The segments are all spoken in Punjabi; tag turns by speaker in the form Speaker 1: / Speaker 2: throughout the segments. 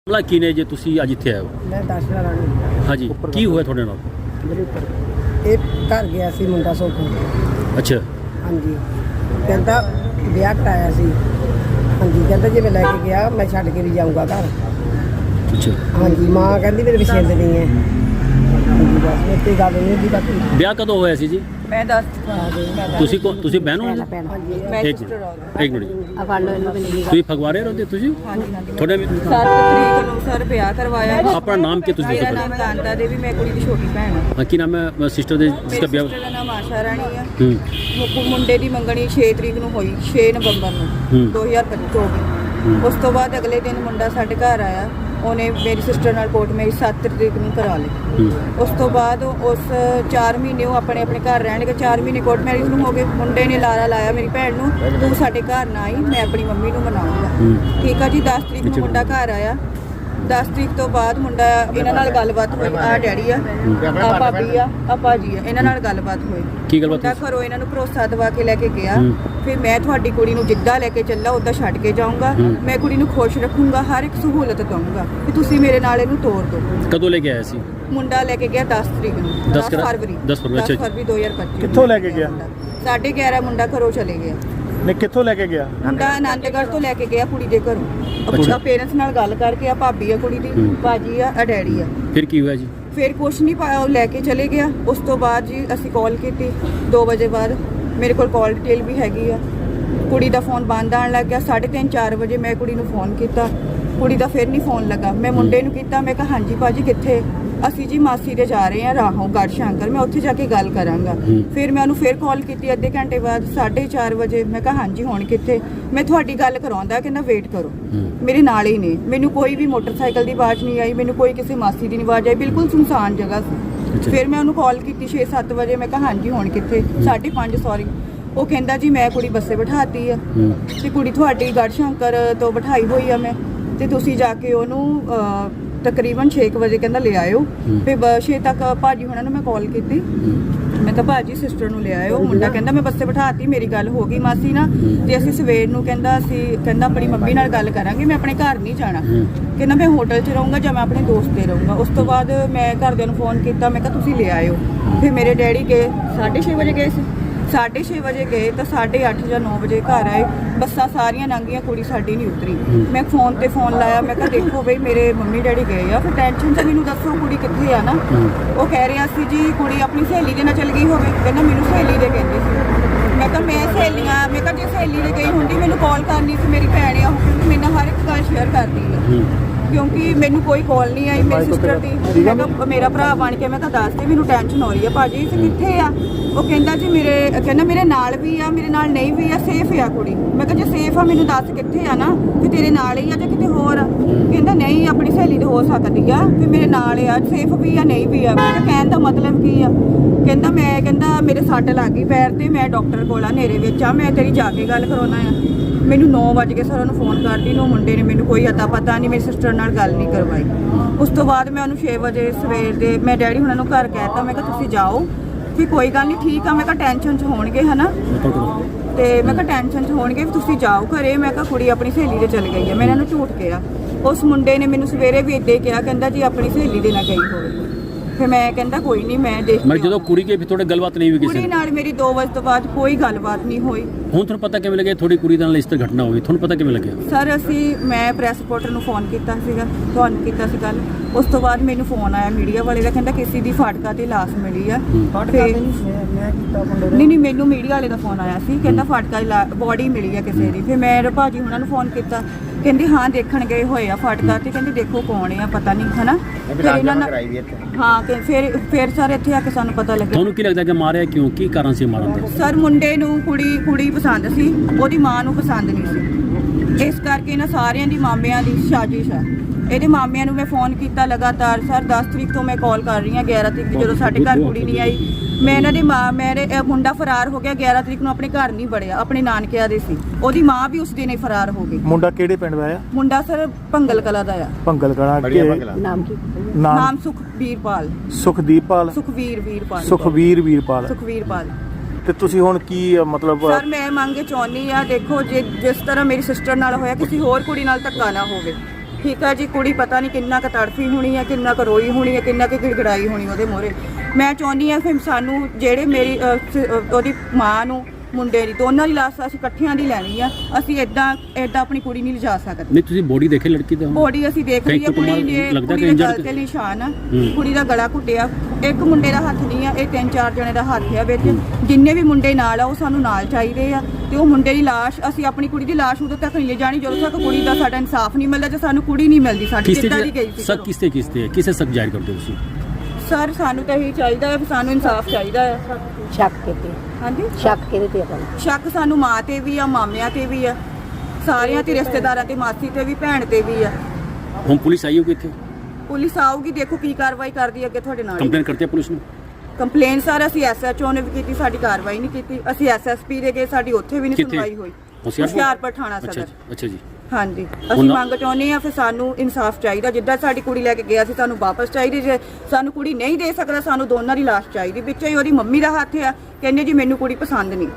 Speaker 1: ਮਾਮਲਾ ਕੀ ਨੇ ਜੇ ਤੁਸੀਂ ਅੱਜ ਇੱਥੇ ਆਏ ਹੋ?
Speaker 2: ਮੈਂ ਦੱਸਣਾ ਰਾਣੀ
Speaker 1: ਹਾਂਜੀ, ਕੀ ਹੋਇਆ ਤੁਹਾਡੇ ਨਾਲ?
Speaker 2: ਮੇਰੇ ਉੱਪਰ ਇਹ ਘਰ ਗਿਆ ਸੀ ਮੁੰਡਾ ਸੁੱਖ।
Speaker 1: ਅੱਛਾ,
Speaker 2: ਹਾਂਜੀ, ਕਹਿੰਦਾ ਵਿਆਹ ਕਰਾਇਆ ਸੀ। ਹਾਂਜੀ, ਕਹਿੰਦਾ ਜੇ ਮੈਂ ਲੈ ਕੇ ਗਿਆ ਮੈਂ ਛੱਡ ਕੇ ਵੀ ਜਾਊਂਗਾ ਘਰ।
Speaker 1: ਅੱਛਾ।
Speaker 2: ਹਾਂਜੀ, ਮਾਂ ਕਹਿੰਦੀ ਮੇਰੇ ਪਸੰਦ ਨਹੀਂ ਹੈ। ਹਾਂਜੀ, ਬਸ ਇੱਥੇ ਗੱਲ ਨਹੀਂ ਹੁੰਦੀ ਬਾਕੀ।
Speaker 1: ਵਿਆਹ ਕਦੋਂ ਹੋਇਆ ਸੀ ਜੀ?
Speaker 3: ਮੈਂ ਦੱਸ
Speaker 1: ਤੁਸੀਂ ਬਹਿਣ ਹੋ?
Speaker 3: ਮੈਂ
Speaker 1: ਇੱਕ
Speaker 3: ਸਿਸਟਰ ਆ
Speaker 1: ਮਿੰਟ, ਇੱਕ ਮਿੰਟ।
Speaker 2: ਆ ਫੜ ਲਓ ਇਹਨੂੰ ਵੀ।
Speaker 1: ਤੁਸੀਂ ਫਗਵਾੜੇ ਰਹਿੰਦੇ ਤੁਸੀਂ?
Speaker 3: ਹਾਂਜੀ ਹਾਂਜੀ
Speaker 1: ਤੁਹਾਡੇ
Speaker 3: 7 ਤਰੀਕ ਨੂੰ ਸਰ ਵਿਆਹ ਕਰਵਾਇਆ।
Speaker 1: ਆਪਣਾ ਨਾਮ ਕੀ ਤੁਸੀਂ
Speaker 3: ਮੇਰਾ
Speaker 1: ਦੱਸੋ?
Speaker 3: ਨਾਮ ਕਾਂਤਾ ਦੇਵੀ, ਮੈਂ ਕੁੜੀ ਦੀ ਛੋਟੀ ਭੈਣ ਹਾਂ।
Speaker 1: ਹਾਂ, ਕੀ ਨਾਮ ਹੈ ਸਿਸਟਰ ਦੇ ਜਿਸਦਾ
Speaker 3: ਮੇਰੀ
Speaker 1: ਵਿਆਹ?
Speaker 3: ਸਿਸਟਰ ਦਾ ਨਾਮ ਆਸ਼ਾ ਰਾਣੀ ਆ।
Speaker 1: ਹੂੰ
Speaker 3: ਮੁੰਡੇ ਦੀ ਮੰਗਣੀ 6 ਤਰੀਕ ਨੂੰ ਹੋਈ, 6 ਨਵੰਬਰ ਨੂੰ 2024। ਉਸ ਤੋਂ ਬਾਅਦ ਅਗਲੇ ਦਿਨ ਮੁੰਡਾ ਸਾਡੇ ਘਰ ਆਇਆ। ਉਹਨੇ ਮੇਰੀ ਸਿਸਟਰ ਨਾਲ ਕੋਰਟ ਮੈਰਿਜ 7 ਤਰੀਕ ਨੂੰ ਕਰਾ ਲਈ। ਉਸ ਤੋਂ ਬਾਅਦ ਉਸ 4 ਮਹੀਨੇ ਉਹ ਆਪਣੇ ਆਪਣੇ ਘਰ ਰਹਿਣਗੇ। 4 ਮਹੀਨੇ ਕੋਰਟ ਮੈਰਿਜ ਨੂੰ ਹੋ ਗਏ। ਮੁੰਡੇ ਨੇ ਲਾਰਾ ਲਾਇਆ ਮੇਰੀ ਭੈਣ ਨੂੰ, ਤੂੰ ਸਾਡੇ ਘਰ ਨਾ ਆਈ, ਮੈਂ ਆਪਣੀ ਮੰਮੀ ਨੂੰ ਮਨਾਉਂਗਾ। ਠੀਕ ਆ ਜੀ। 10 ਤਰੀਕ ਨੂੰ ਮੁੰਡਾ ਘਰ ਆਇਆ। 10 ਤਰੀਕ ਤੋਂ ਬਾਅਦ ਮੁੰਡਾ ਇਹਨਾਂ ਨਾਲ ਗੱਲਬਾਤ ਹੋਈ। ਆ ਡੈਡੀ ਆ, ਆ ਭਾਬੀ ਆ, ਆ ਭਾਜੀ ਆ, ਇਹਨਾਂ ਨਾਲ ਗੱਲਬਾਤ ਹੋਈ।
Speaker 1: ਕੀ ਗੱਲਬਾਤ
Speaker 3: ਮੁੰਡਾ ਘਰੋਂ ਇਹਨਾਂ ਨੂੰ ਭਰੋਸਾ ਦਵਾ ਕੇ ਲੈ ਕੇ ਗਿਆ। ਫਿਰ ਮੈਂ ਤੁਹਾਡੀ ਕੁੜੀ ਨੂੰ ਜਿੱਦਾਂ ਲੈ ਕੇ ਚੱਲਾ ਉੱਦਾਂ ਛੱਡ ਕੇ ਜਾਊਂਗਾ। ਮੈਂ ਕੁੜੀ ਨੂੰ ਖੁਸ਼ ਰੱਖੂੰਗਾ, ਹਰ ਇੱਕ ਸਹੂਲਤ ਦਊਂਗਾ ਕਿ ਤੁਸੀਂ ਮੇਰੇ ਨਾਲ ਇਹਨੂੰ ਤੋਰ ਦਿਓ।
Speaker 1: ਕਦੋਂ ਲੈ ਕੇ ਆਇਆ ਸੀ?
Speaker 3: ਮੁੰਡਾ ਲੈ ਕੇ ਗਿਆ 10 ਤਰੀਕ ਨੂੰ, 10 ਫਰਵਰੀ
Speaker 1: 10 ਫਰਵਰੀ, ਅੱਛਾ ਜੀ।
Speaker 3: 2025।
Speaker 4: ਕਿੱਥੋਂ ਲੈ ਕੇ ਗਿਆ?
Speaker 3: 11:30 ਮੁੰਡਾ ਘਰੋਂ ਚਲੇ ਗਿਆ।
Speaker 4: ਨੇ ਕਿੱਥੋਂ ਲੈ ਕੇ ਗਿਆ?
Speaker 3: ਮੁੰਡਾ ਆਨੰਦਗੜ੍ਹ ਤੋਂ ਲੈ ਕੇ ਗਿਆ ਕੁੜੀ ਦੇ ਘਰੋਂ। ਅੱਛਾ, ਪੇਰੈਂਟਸ ਨਾਲ ਗੱਲ ਕਰਕੇ ਆ ਭਾਬੀ ਆ ਕੁੜੀ ਦੀ, ਭਾਜੀ ਆ, ਡੈਡੀ ਆ।
Speaker 1: ਫਿਰ ਕੀ ਹੋਇਆ ਜੀ?
Speaker 3: ਫਿਰ ਕੁਛ ਨਹੀਂ ਪਾਇਆ, ਉਹ ਲੈ ਕੇ ਚਲੇ ਗਿਆ। ਉਸ ਤੋਂ ਬਾਅਦ ਜੀ ਅਸੀਂ ਕਾਲ ਕੀਤੀ 2 ਵਜੇ ਬਾਅਦ। ਮੇਰੇ ਕੋਲ ਕਾਲ ਡਿਟੇਲ ਵੀ ਹੈਗੀ ਆ। ਕੁੜੀ ਦਾ ਫੋਨ ਬੰਦ ਆਉਣ ਲੱਗ ਗਿਆ। 3:30 4 ਵਜੇ ਮੈਂ ਕੁੜੀ ਨੂੰ ਫੋਨ ਕੀਤਾ, ਕੁੜੀ ਦਾ ਫਿਰ ਨਹੀਂ ਫੋਨ ਲੱਗਾ। ਮੈਂ ਮੁੰਡੇ ਨੂੰ ਕੀਤਾ, ਮੈਂ ਕਿਹਾ ਹਾਂਜੀ ਭਾਜੀ ਕਿੱਥੇ? ਅਸੀਂ ਜੀ ਮਾਸੀ ਦੇ ਜਾ ਰਹੇ ਹਾਂ ਰਾਹੋਂ ਗੜ੍ਹ ਸ਼ੰਕਰ, ਮੈਂ ਉੱਥੇ ਜਾ ਕੇ ਗੱਲ ਕਰਾਂਗਾ। ਫਿਰ ਮੈਂ ਉਹਨੂੰ ਫਿਰ ਕਾਲ ਕੀਤੀ ਅੱਧੇ ਘੰਟੇ ਬਾਅਦ 4:30 ਵਜੇ। ਮੈਂ ਕਿਹਾ ਹਾਂਜੀ ਹੁਣ ਕਿੱਥੇ? ਮੈਂ ਤੁਹਾਡੀ ਗੱਲ ਕਰਾਉਂਦਾ, ਕਹਿੰਦਾ ਵੇਟ ਕਰੋ। ਮੇਰੇ ਨਾਲ ਹੀ ਨੇ। ਮੈਨੂੰ ਕੋਈ ਵੀ ਮੋਟਰਸਾਈਕਲ ਦੀ ਆਵਾਜ਼ ਨਹੀਂ ਆਈ, ਮੈਨੂੰ ਕੋਈ ਕਿਸੇ ਮਾਸੀ ਦੀ ਨਹੀਂ ਆਵਾਜ਼ ਆਈ। ਬਿਲਕੁਲ ਸੁਨਸਾਨ ਜਗ੍ਹਾ ਸੀ। ਫਿਰ ਮੈਂ ਉਹਨੂੰ ਕਾਲ ਕੀਤੀ 6-7 ਵਜੇ। ਮੈਂ ਕਿਹਾ ਹਾਂਜੀ ਹੁਣ ਕਿੱਥੇ? 5:30 ਸੌਰੀ। ਉਹ ਕਹਿੰਦਾ ਜੀ ਮੈਂ ਕੁੜੀ ਬੱਸੇ ਬਿਠਾਤੀ ਆ ਤੇ ਕੁੜੀ ਤੁਹਾਡੀ ਗੜ੍ਹ ਸ਼ੰਕਰ ਤੋਂ ਬਿਠਾਈ ਹੋਈ ਆ ਮੈਂ, ਤੇ ਤੁਸੀਂ ਜਾ ਕੇ ਉਹਨੂੰ ਤਕਰੀਬਨ 6 ਵਜੇ ਕਹਿੰਦਾ ਲੈ ਆਇਓ। ਫਿਰ 6 ਤੱਕ ਭਾਜੀ ਹੁਣਾਂ ਨੂੰ ਮੈਂ ਕਾਲ ਕੀਤੀ। ਮੈਂ ਕਿਹਾ ਭਾਜੀ ਸਿਸਟਰ ਨੂੰ ਲੈ ਆਇਓ। ਮੁੰਡਾ ਕਹਿੰਦਾ ਮੈਂ ਬੱਸੇ ਬਿਠਾਤੀ, ਮੇਰੀ ਗੱਲ ਹੋ ਗਈ ਮਾਸੀ ਨਾਲ, ਤੇ ਅਸੀਂ ਸਵੇਰ ਨੂੰ ਕਹਿੰਦਾ ਆਪਣੀ ਮੰਮੀ ਨਾਲ ਗੱਲ ਕਰਾਂਗੇ, ਮੈਂ ਆਪਣੇ ਘਰ ਨਹੀਂ ਜਾਣਾ। ਕਹਿੰਦਾ ਮੈਂ ਹੋਟਲ 'ਚ ਰਹੂੰਗਾ ਜਾਂ ਮੈਂ ਆਪਣੇ ਦੋਸਤ ਦੇ ਰਹੂੰਗਾ। ਉਸ ਤੋਂ ਬਾਅਦ ਮੈਂ ਘਰਦਿਆਂ ਨੂੰ ਫੋਨ ਕੀਤਾ, ਮੈਂ ਕਿਹਾ ਤੁਸੀਂ ਲੈ ਆਇਓ। ਫਿਰ ਮੇਰੇ ਡੈਡੀ ਗਏ 6:30 ਵਜੇ ਗਏ ਸੀ। 6:30 ਵਜੇ ਗਏ ਤਾਂ 8:30 ਜਾਂ 9 ਵਜੇ ਘਰ ਆਏ। ਬੱਸਾਂ ਸਾਰੀਆਂ ਲੰਘੀਆਂ, ਕੁੜੀ ਸਾਡੀ ਨਹੀਂ ਉਤਰੀ। ਮੈਂ ਫੋਨ ਤੇ ਫੋਨ ਲਾਇਆ, ਮੈਂ ਕਿਹਾ ਦੇਖੋ ਬਈ ਮੇਰੇ ਮੰਮੀ ਡੈਡੀ ਗਏ ਆ, ਫਿਰ ਟੈਨਸ਼ਨ 'ਚ ਮੈਨੂੰ ਦੱਸੋ ਕੁੜੀ ਕਿੱਥੇ ਆ ਨਾ। ਉਹ ਕਹਿ ਰਿਹਾ ਸੀ ਜੀ ਕੁੜੀ ਆਪਣੀ ਸਹੇਲੀ ਦੇ ਨਾਲ ਚਲ ਗਈ ਹੋਵੇ। ਕਹਿੰਦਾ ਮੈਨੂੰ ਸਹੇਲੀ ਦੇ ਕਹਿੰਦੇ ਸੀ। ਮੈਂ ਕਿਹਾ ਮੈਂ ਕਿਹਾ ਜੇ ਸਹੇਲੀ ਦੇ ਗਈ ਹੁੰਦੀ ਮੈਨੂੰ ਕਾਲ ਕਰਨੀ ਸੀ, ਮੇਰੀ ਭੈਣ ਆ ਉਹ, ਕਿਉਂਕਿ ਮੇਰੇ ਨਾਲ ਹਰ ਇੱਕ ਗੱਲ ਸ਼ੇਅਰ ਕਰਦੀ ਹੈ। ਕਿਉਂਕਿ ਮੈਨੂੰ ਕੋਈ ਕਾਲ ਨਹੀਂ ਆਈ ਮੇਰੀ ਸਿਸਟਰ ਦੀ। ਮੈਂ ਕਿਹਾ ਮੇਰਾ ਭਰਾ ਬਣ ਕੇ ਮੈਂ ਕਿਹਾ ਦੱਸ ਦੇ, ਮੈਨੂੰ ਟੈਨਸ਼ਨ ਹੋ ਰਹੀ ਹੈ ਭਾਜੀ ਤੇ ਕਿੱਥੇ ਆ? ਉਹ ਕਹਿੰਦਾ ਜੀ ਮੇਰੇ ਨਾਲ ਵੀ ਆ, ਮੇਰੇ ਨਾਲ ਨਹੀਂ ਵੀ ਆ, ਸੇਫ ਆ ਕੁੜੀ। ਮੈਂ ਕਿਹਾ ਜੇ ਸੇਫ ਆ ਮੈਨੂੰ ਦੱਸ ਕਿੱਥੇ ਆ ਨਾ, ਕਿ ਤੇਰੇ ਨਾਲ ਹੀ ਆ ਜਾਂ ਕਿਤੇ ਹੋਰ ਆ? ਕਹਿੰਦਾ ਨਹੀਂ ਆਪਣੀ ਸਹੇਲੀ ਤੇ ਹੋ ਸਕਦੀ ਆ, ਵੀ ਮੇਰੇ ਨਾਲ ਆ, ਸੇਫ ਵੀ ਆ ਨਹੀਂ ਵੀ ਆ। ਮੈਂ ਕਿਹਾ ਕਹਿਣ ਦਾ ਮਤਲਬ ਕੀ ਆ? ਕਹਿੰਦਾ ਮੇਰੇ ਸੱਟ ਲੱਗ ਗਈ ਪੈਰ ਤੇ, ਮੈਂ ਡਾਕਟਰ ਕੋਲ ਆ ਹਨੇਰੇ ਵਿੱਚ ਆ, ਮੈਂ ਤੇਰੀ ਜਾ ਕੇ ਗੱਲ ਕਰਾਉਣਾ ਆ। ਮੈਨੂੰ 9 ਵਜੇ ਸਰ ਉਹਨੂੰ ਫੋਨ ਕਰਦੀ ਨੂੰ, ਮੁੰਡੇ ਨੇ ਮੈਨੂੰ ਕੋਈ ਅਤਾ ਪਤਾ ਨਹੀਂ, ਮੇਰੀ ਸਿਸਟਰ ਨਾਲ ਗੱਲ ਨਹੀਂ ਕਰਵਾਈ। ਉਸ ਤੋਂ ਬਾਅਦ ਮੈਂ ਉਹਨੂੰ 6 ਵਜੇ ਸਵੇਰ ਦੇ ਮੈਂ ਡੈਡੀ ਹੁਣਾਂ ਨੂੰ ਘਰ ਕਹਿਤਾ, ਮੈਂ ਕਿਹਾ ਤੁਸੀਂ ਜਾਓ। ਵੀ ਕੋਈ ਗੱਲ ਨਹੀਂ ਠੀਕ ਆ, ਮੈਂ ਕਿਹਾ ਟੈਨਸ਼ਨ 'ਚ ਹੋਣਗੇ ਹਨਾ, ਤੇ ਮੈਂ ਕਿਹਾ ਟੈਨਸ਼ਨ 'ਚ ਹੋਣਗੇ ਵੀ ਤੁਸੀਂ ਜਾਓ ਘਰੇ। ਮੈਂ ਕਿਹਾ ਕੁੜੀ ਆਪਣੀ ਸਹੇਲੀ ਦੇ ਚਲ ਗਈ ਹੈ। ਮੈਂ ਇਹਨਾਂ ਨੂੰ ਝੂਠ ਕਿਹਾ। ਉਸ ਮੁੰਡੇ ਨੇ ਮੈਨੂੰ ਸਵੇਰੇ ਵੀ ਇੱਦਾਂ ਕਿਹਾ, ਕਹਿੰਦਾ ਜੀ ਆਪਣੀ ਸਹੇਲੀ ਦੇ ਨਾਲ ਗਈ ਹੋਵੇ। ਫਿਰ ਮੈਂ ਕਹਿੰਦਾ ਕੋਈ ਨਹੀਂ ਮੈਂ ਦੇਖ
Speaker 1: ਮੈਂ ਜਦੋਂ ਕੁੜੀ ਕੇ ਵੀ ਤੁਹਾਡੇ ਗੱਲਬਾਤ ਨਹੀਂ ਹੋਈ ਕਿਸੇ
Speaker 3: ਕੁੜੀ ਨਾਲ ਮੇਰੀ 2 ਵਜੇ ਤੋਂ ਬਾਅਦ ਕੋਈ ਗੱਲਬਾਤ ਨਹੀਂ ਹੋਈ।
Speaker 1: ਹੁਣ ਤੁਹਾਨੂੰ ਪਤਾ ਕਿਵੇਂ ਲੱਗਿਆ ਤੁਹਾਡੀ ਕੁੜੀ ਨਾਲ ਇਸ ਤਰ੍ਹਾਂ ਘਟਨਾ ਹੋਈ? ਤੁਹਾਨੂੰ ਪਤਾ ਕਿਵੇਂ ਲੱਗਿਆ?
Speaker 3: ਸਰ ਮੈਂ ਪ੍ਰੈਸ ਰਿਪੋਰਟਰ ਨੂੰ ਫੋਨ ਕੀਤਾ ਸੀਗਾ, ਤੁਹਾਨੂੰ ਕੀਤਾ ਸੀ ਕੱਲ। ਉਸ ਤੋਂ ਬਾਅਦ ਮੈਨੂੰ ਫੋਨ ਆਇਆ ਮੀਡੀਆ ਵਾਲੇ ਦਾ, ਕਹਿੰਦਾ ਕਿਸੇ ਦੀ ਫਾਟਕਾ ਤੇ ਲਾਸ਼ ਮਿਲੀ ਆ।
Speaker 2: ਮੈਂ ਕੀਤਾ ਮੁੰਡੇ
Speaker 3: ਨਹੀਂ ਮੈਨੂੰ ਮੀਡੀਆ ਵਾਲੇ ਦਾ ਫੋਨ ਆਇਆ ਸੀ, ਕਹਿੰਦਾ ਫਾਟਕਾ ਬੋਡੀ ਮਿਲੀ ਆ ਕਿਸੇ ਦੀ। ਫਿਰ ਮੈਂ ਭਾਜੀ ਹੁਣਾਂ ਨੂੰ ਫੋਨ ਕੀਤਾ, ਕਹਿੰਦੇ ਹਾਂ ਦੇਖਣ ਗਏ ਹੋਏ ਆ ਫਾਟਕਾ ਤੇ, ਕਹਿੰਦੇ ਦੇਖੋ ਕੌਣ ਆ ਪਤਾ ਨਹੀਂ ਹਨਾ। ਫਿਰ ਇਹਨਾਂ ਨਾਲ ਹਾਂ ਕਿ ਫਿਰ ਸਰ ਇੱਥੇ ਆ ਕੇ ਸਾਨੂੰ ਪਤਾ ਲੱਗਿਆ।
Speaker 1: ਤੁਹਾਨੂੰ ਕੀ ਲੱਗਦਾ ਕਿ ਮਾਰਿਆ ਕਿਉਂ? ਕੀ ਕਾਰਨ ਸੀ ਮਾਰਨ ਦਾ?
Speaker 3: ਸਰ ਮੁੰਡੇ ਨੂੰ ਕੁੜੀ ਪਸੰਦ ਸੀ, ਉਹਦੀ ਮਾਂ ਨੂੰ ਪਸੰਦ ਨਹੀਂ ਸੀ। ਇਸ ਕਰਕੇ ਇਹਨਾਂ ਸਾਰਿਆਂ ਦੀ ਮਾਮਿਆਂ ਦੀ ਸਾਜ਼ਿਸ਼ ਆ। ਇਹਦੇ ਮਾਮਿਆਂ ਨੂੰ ਮੈਂ ਫੋਨ ਕੀਤਾ ਲਗਾਤਾਰ। ਸਰ 10 ਤਰੀਕ ਤੋਂ ਮੈਂ ਕਾਲ ਕਰ ਰਹੀ ਹਾਂ, 11 ਤਰੀਕ ਜਦੋਂ ਸਾਡੇ ਘਰ ਕੁੜੀ ਨਹੀਂ ਆਈ। ਮੈਂ ਇਹਨਾਂ ਦੀ ਮਾਂ ਮੇਰੇ ਮੁੰਡਾ ਫਰਾਰ ਹੋ ਗਿਆ 11 ਤਰੀਕ ਨੂੰ, ਆਪਣੇ ਘਰ ਨਹੀਂ ਵੜਿਆ, ਆਪਣੇ ਨਾਨਕਿਆਂ ਦੇ ਸੀ। ਉਹਦੀ ਮਾਂ ਵੀ ਉਸ ਦਿਨ ਹੀ ਫਰਾਰ ਹੋ ਗਈ।
Speaker 4: ਮੁੰਡਾ ਕਿਹੜੇ ਪਿੰਡ ਦਾ ਆ?
Speaker 3: ਮੁੰਡਾ ਸਰ ਭੰਗਲ ਕਲਾ ਦਾ ਆ।
Speaker 4: ਭੰਗਲ ਕਲਾ।
Speaker 2: ਨਾਮ ਕੀ?
Speaker 3: ਨਾਮ ਸੁਖਵੀਰਪਾਲ।
Speaker 4: ਸੁਖਵੀਰ ਵੀਰਪਾਲ। ਤੇ ਤੁਸੀਂ ਹੁਣ ਕੀ ਮਤਲਬ?
Speaker 3: ਸਰ ਮੈਂ ਮੰਗੇ ਚਾਹੁੰਦੀ ਆ, ਦੇਖੋ ਜਿਸ ਤਰ੍ਹਾਂ ਮੇਰੀ ਸਿਸਟਰ ਨਾਲ ਹੋਇਆ ਕਿਸੇ ਹੋਰ ਕੁੜੀ ਨਾਲ ਧੱਕਾ ਨਾ ਹੋਵੇ। ਠੀਕ ਆ ਜੀ। ਕੁੜੀ ਪਤਾ ਨਹੀਂ ਕਿੰਨਾ ਕੁ ਤੜਫੀ ਹੋਣੀ ਆ, ਕਿੰਨਾ ਕੁ ਰੋਈ ਹੋਣੀ ਆ, ਕਿੰਨਾ ਕੁ ਗਿੜਗੜਾਈ ਹੋਣੀ ਉਹਦੇ ਮੂਹਰੇ। ਮੈਂ ਚਾਹੁੰਦੀ ਆ ਫਿਰ ਸਾਨੂੰ ਜਿਹੜੇ ਮੇਰੀ ਉਹਦੀ ਮਾਂ ਨੂੰ ਮੁੰਡੇ ਦੀ ਦੋਨਾਂ ਦੀ ਲਾਸ਼ ਅਸੀਂ ਇਕੱਠਿਆਂ ਦੀ ਲੈਣੀ ਆ। ਅਸੀਂ ਇਦਾਂ ਆਪਣੀ ਕੁੜੀ ਨਹੀਂ ਲਿਜਾ ਸਕਦੇ।
Speaker 1: ਨਹੀਂ ਤੁਸੀਂ ਬੋਡੀ ਦੇਖੇ ਲੜਕੀ ਦਾ?
Speaker 3: ਬੋਡੀ ਅਸੀਂ ਦੇਖ ਲਈ ਆ। ਕੁੜੀ ਦੇ
Speaker 1: ਲੱਗਦਾ ਕਿ
Speaker 3: ਕੁੜੀ ਦੇ ਗਲ
Speaker 1: ਇੰਜਰਡ
Speaker 3: ਤੇ ਨਿਸ਼ਾਨ ਆ, ਕੁੜੀ ਦਾ ਗਲਾ ਘੁੱਟਿਆ। ਇੱਕ ਮੁੰਡੇ ਦਾ ਹੱਥ ਨਹੀਂ ਆ, ਇਹ 3-4 ਜਣੇ ਦਾ ਹੱਥ ਆ ਵਿੱਚ। ਜਿੰਨੇ ਵੀ ਮੁੰਡੇ ਨਾਲ ਆ ਉਹ ਸਾਨੂੰ ਨਾਲ ਚਾਹੀਦੇ ਆ ਤੇ ਉਹ ਮੁੰਡੇ ਦੀ ਲਾਸ਼ ਅਸੀਂ ਆਪਣੀ ਕੁੜੀ ਦੀ ਲਾਸ਼ ਉਦੋਂ ਤੱਕ ਨਹੀਂ ਜਾਣੀ ਜਦੋਂ ਤੱਕ ਕੁੜੀ ਦਾ ਸਾਡਾ ਇਨਸਾਫ ਨਹੀਂ ਮਿਲਦਾ, ਤੇ ਸਾਨੂੰ ਕੁੜੀ ਨਹੀਂ ਮਿਲਦੀ ਸਾਡੀ ਕਿੱਦਾਂ ਦੀ ਗਈ ਸੀ।
Speaker 1: ਸਰ ਕਿਸੇ ਸ਼ੱਕ ਜ਼ਾਹਿਰ ਕਰਦੇ ਹੋ ਤੁਸੀਂ?
Speaker 3: ਸਰ ਸਾਨੂੰ ਤਾਂ ਇਹੀ ਚਾਹੀਦਾ ਹੈ, ਸਾਨੂੰ ਇਨਸਾਫ ਚਾਹੀਦਾ ਹੈ।
Speaker 2: ਸ਼ੱਕ ਕਿਤੇ
Speaker 3: ਹਾਂਜੀ,
Speaker 2: ਸ਼ੱਕ ਕਿਹਦੇ ਤੇ ਆਪਾਂ
Speaker 3: ਸ਼ੱਕ ਸਾਨੂੰ ਮਾਂ ਤੇ ਵੀ ਆ, ਮਾਮਿਆਂ ਤੇ ਵੀ ਆ, ਸਾਰਿਆਂ ਤੇ, ਰਿਸ਼ਤੇਦਾਰਾਂ ਤੇ, ਮਾਸੀ ਤੇ ਵੀ, ਭੈਣ ਤੇ ਵੀ ਆ।
Speaker 1: ਹੁਣ ਪੁਲਿਸ ਆਈ ਹੋਗੀ ਇੱਥੇ?
Speaker 3: ਪੁਲਿਸ ਆਊਗੀ, ਦੇਖੋ ਕੀ ਕਾਰਵਾਈ ਕਰਦੀ ਅੱਗੇ ਤੁਹਾਡੇ ਨਾਲ।
Speaker 1: ਕੰਪਲੇਨ ਕਰਤੀ ਹੈ ਪੁਲਿਸ ਨੂੰ?
Speaker 3: ਕੰਪਲੇਨ ਸਰ ਅਸੀਂ ਐਸਐਚਓ ਨੇ ਵੀ ਕੀਤੀ, ਸਾਡੀ ਕਾਰਵਾਈ ਨਹੀਂ ਕੀਤੀ। ਅਸੀਂ ਐਸਐਸਪੀ ਦੇ ਗਏ, ਸਾਡੀ ਉੱਥੇ ਵੀ ਨਹੀਂ
Speaker 1: ਕਿੱਥੇ?
Speaker 3: ਸੁਣਵਾਈ ਹੋਈ।
Speaker 1: ਹੁਸ਼ਿਆਰਪੁਰ?
Speaker 3: ਹੁਸ਼ਿਆਰਪੁਰ ਥਾਣਾ
Speaker 1: ਅੱਛਾ
Speaker 3: ਸਦਰ।
Speaker 1: ਅੱਛਾ ਜੀ।
Speaker 3: ਹਾਂਜੀ, ਅਸੀਂ ਮੰਗ ਚਾਹੁੰਦੇ ਆ, ਫਿਰ ਸਾਨੂੰ ਇਨਸਾਫ ਚਾਹੀਦਾ। ਜਿੱਦਾਂ ਸਾਡੀ ਕੁੜੀ ਲੈ ਕੇ ਗਿਆ ਸੀ ਸਾਨੂੰ ਵਾਪਸ ਚਾਹੀਦੀ। ਜੇ ਸਾਨੂੰ ਕੁੜੀ ਨਹੀਂ ਦੇ ਸਕਦਾ ਸਾਨੂੰ ਦੋਨਾਂ ਦੀ ਲਾਸ਼ ਚਾਹੀਦੀ। ਵਿੱਚ ਹੀ ਉਹਦੀ ਮੰਮੀ ਦਾ ਹੱਥ ਆ, ਕਹਿੰਦੇ ਜੀ ਮੈਨੂੰ ਕੁੜੀ ਪਸੰਦ ਨਹੀਂ।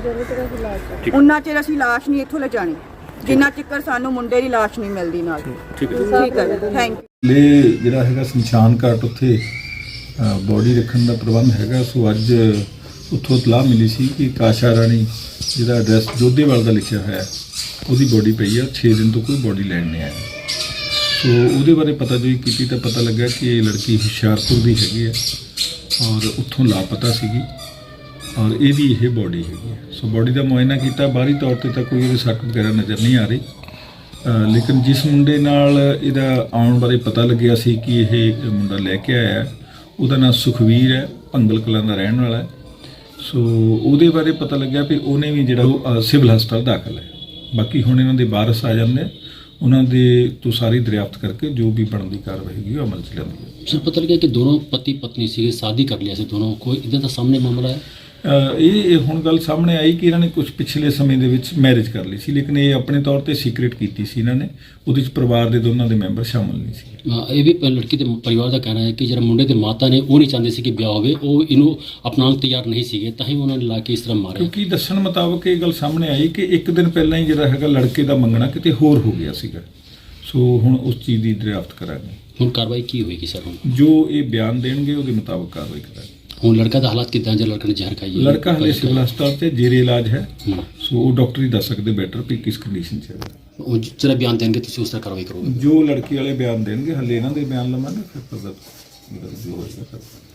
Speaker 3: ਉਹਨਾਂ ਚਿਰ ਅਸੀਂ ਲਾਸ਼ ਨਹੀਂ ਇੱਥੋਂ ਲੈ ਜਾਣੀ ਜਿੰਨਾ ਚਿਰ ਸਾਨੂੰ ਮੁੰਡੇ ਦੀ ਲਾਸ਼ ਨਹੀਂ ਮਿਲਦੀ ਨਾਲ।
Speaker 1: ਠੀਕ ਹੈ,
Speaker 3: ਠੀਕ ਹੈ, ਥੈਂਕ ਯੂ।
Speaker 5: ਲੈ ਜਿਹੜਾ ਹੈਗਾ ਸ਼ਮਸ਼ਾਨ ਘਾਟ ਉੱਥੇ ਬੋਡੀ ਰੱਖਣ ਦਾ ਪ੍ਰਬੰਧ ਹੈਗਾ। ਸੋ ਅੱਜ ਉੱਥੋਂ ਇਤਲਾਹ ਮਿਲੀ ਸੀ ਕਿ ਕਾਸ਼ਾ ਰਾਣੀ ਜਿਹਦਾ ਐਡਰੈਸ ਜੋਧੇਵਾਲ ਦਾ ਲਿਖਿਆ ਹੋਇਆ ਹੈ, ਉਹਦੀ ਬੋਡੀ ਪਈ ਆ। 6 ਦਿਨ ਤੋਂ ਕੋਈ ਬੋਡੀ ਲੈਣ ਨਹੀਂ ਆਇਆ। ਸੋ ਉਹਦੇ ਬਾਰੇ ਪਤਾ ਜੋ ਕੀਤੀ ਤਾਂ ਪਤਾ ਲੱਗਾ ਕਿ ਇਹ ਲੜਕੀ ਹੁਸ਼ਿਆਰਪੁਰ ਦੀ ਹੈਗੀ ਹੈ ਔਰ ਉੱਥੋਂ ਲਾਪਤਾ ਸੀਗੀ ਔਰ ਇਹਦੀ ਇਹ ਬੋਡੀ ਹੈਗੀ ਹੈ। ਸੋ ਬੋਡੀ ਦਾ ਮੁਆਇਨਾ ਕੀਤਾ, ਬਾਹਰੀ ਤੌਰ ਤੇ ਤਾਂ ਕੋਈ ਇਹਦੇ ਸੱਟ ਵਗੈਰਾ ਨਜ਼ਰ ਨਹੀਂ ਆ ਰਹੀ। ਲੇਕਿਨ ਜਿਸ ਮੁੰਡੇ ਨਾਲ ਇਹਦਾ ਆਉਣ ਬਾਰੇ ਪਤਾ ਲੱਗਿਆ ਸੀ ਕਿ ਇਹ ਮੁੰਡਾ ਲੈ ਕੇ ਆਇਆ ਹੈ, ਉਹਦਾ ਨਾਮ ਸੁਖਵੀਰ ਹੈ, ਭੰਗਲ ਕਲਾਂ ਦਾ ਰਹਿਣ ਵਾਲਾ ਹੈ। ਸੋ ਉਹਦੇ ਬਾਰੇ ਪਤਾ ਲੱਗਿਆ ਵੀ ਉਹਨੇ ਵੀ ਜਿਹੜਾ ਉਹ ਸਿਵਲ ਹਸਪਤਾਲ ਦਾਖਲ ਹੈ। ਬਾਕੀ ਹੁਣ ਇਹਨਾਂ ਦੇ ਵਾਰਸ ਆ ਜਾਂਦੇ ਆ, ਉਹਨਾਂ ਦੇ ਤੋਂ ਸਾਰੀ ਦਰਿਆਫਤ ਕਰਕੇ ਜੋ ਵੀ ਬਣਦੀ ਕਾਰਵਾਈ ਹੈਗੀ ਉਹ ਅਮਲ 'ਚ ਲਿਆਂਦੀ ਹੈ।
Speaker 1: ਸਰ ਪਤਾ ਲੱਗਿਆ ਕਿ ਦੋਨੋਂ ਪਤੀ ਪਤਨੀ ਸੀਗੇ, ਸ਼ਾਦੀ ਕਰ ਲਿਆ ਸੀ ਦੋਨੋਂ, ਕੋਈ ਇਦਾਂ ਦਾ ਸਾਹਮਣੇ ਮਾਮਲਾ ਹੈ?
Speaker 5: ਇਹ ਹੁਣ ਗੱਲ ਸਾਹਮਣੇ ਆਈ ਕਿ ਇਹਨਾਂ ਨੇ ਕੁਝ ਪਿਛਲੇ ਸਮੇਂ ਦੇ ਵਿੱਚ ਮੈਰਿਜ ਕਰ ਲਈ ਸੀ, ਲੇਕਿਨ ਇਹ ਆਪਣੇ ਤੌਰ ਤੇ ਸੀਕ੍ਰੀਟ ਕੀਤੀ ਸੀ ਇਹਨਾਂ ਨੇ। ਉਹਦੇ ਵਿੱਚ ਪਰਿਵਾਰ ਦੇ ਦੋਨਾਂ ਦੇ ਮੈਂਬਰ ਸ਼ਾਮਲ ਨਹੀਂ ਸੀ।
Speaker 1: ਇਹ ਵੀ ਲੜਕੀ ਦੇ ਪਰਿਵਾਰ ਦਾ ਕਹਿਣਾ ਹੈ ਕਿ ਜਿਹੜਾ ਮੁੰਡੇ ਦੇ ਮਾਤਾ ਨੇ ਉਹ ਨਹੀਂ ਚਾਹੁੰਦੇ ਸੀ ਕਿ ਵਿਆਹ ਹੋਵੇ, ਉਹ ਇਹਨੂੰ ਅਪਣਾਉਣ ਨੂੰ ਤਿਆਰ ਨਹੀਂ ਸੀਗੇ, ਤਾਂ ਹੀ ਉਹਨਾਂ ਨੇ ਲਾ ਕੇ ਇਸ ਤਰ੍ਹਾਂ ਮਾਰਿਆ।
Speaker 5: ਕਿਉਂਕਿ ਦੱਸਣ ਮੁਤਾਬਕ ਇਹ ਗੱਲ ਸਾਹਮਣੇ ਆਈ ਕਿ ਇੱਕ ਦਿਨ ਪਹਿਲਾਂ ਹੀ ਜਿਹੜਾ ਹੈਗਾ ਲੜਕੇ ਦਾ ਮੰਗਣਾ ਕਿਤੇ ਹੋਰ ਹੋ ਗਿਆ ਸੀਗਾ। ਸੋ ਹੁਣ ਉਸ ਚੀਜ਼ ਦੀ ਦਰਿਆਫਤ ਕਰਾਂਗੇ।
Speaker 1: ਹੁਣ ਕਾਰਵਾਈ ਕੀ ਹੋਏਗੀ ਸਰ? ਹੁਣ
Speaker 5: ਜੋ ਇਹ ਬਿਆਨ ਦੇਣਗੇ ਉਹਦੇ ਮੁਤਾਬਕ ਕਾਰਵਾਈ ਕਰਾਂਗੇ।
Speaker 1: ਹੁਣ ਲੜਕਾ ਦਾ ਹਾਲਾਤ ਕਿੱਦਾਂ, ਜੇ ਲੜਕੇ ਨੇ ਜ਼ਹਿਰ ਖਾਈ ਹੈ?
Speaker 5: ਲੜਕਾ ਹਲੇ ਸਿਵਲ ਹਸਪਤਾਲ ਤੇ ਜੇਰੇ ਇਲਾਜ ਹੈ। ਸੋ ਉਹ ਡਾਕਟਰ ਹੀ ਦੱਸ ਸਕਦੇ ਬੈਟਰ ਵੀ ਕਿਸ ਕੰਡੀਸ਼ਨ 'ਚ ਹੈ।
Speaker 1: ਉਹ ਜਿਹੜਾ ਬਿਆਨ ਦੇਣਗੇ ਤੁਸੀਂ ਉਸ ਤਰ੍ਹਾਂ ਕਾਰਵਾਈ ਕਰੋਗੇ?
Speaker 5: ਜੋ ਲੜਕੀ ਵਾਲੇ ਬਿਆਨ ਦੇਣਗੇ, ਹਲੇ ਇਹਨਾਂ ਦੇ ਬਿਆਨ ਲਵਾਂਗੇ, ਫਿਰ ਪਤਾ ਜੋ ਹੋਏਗਾ।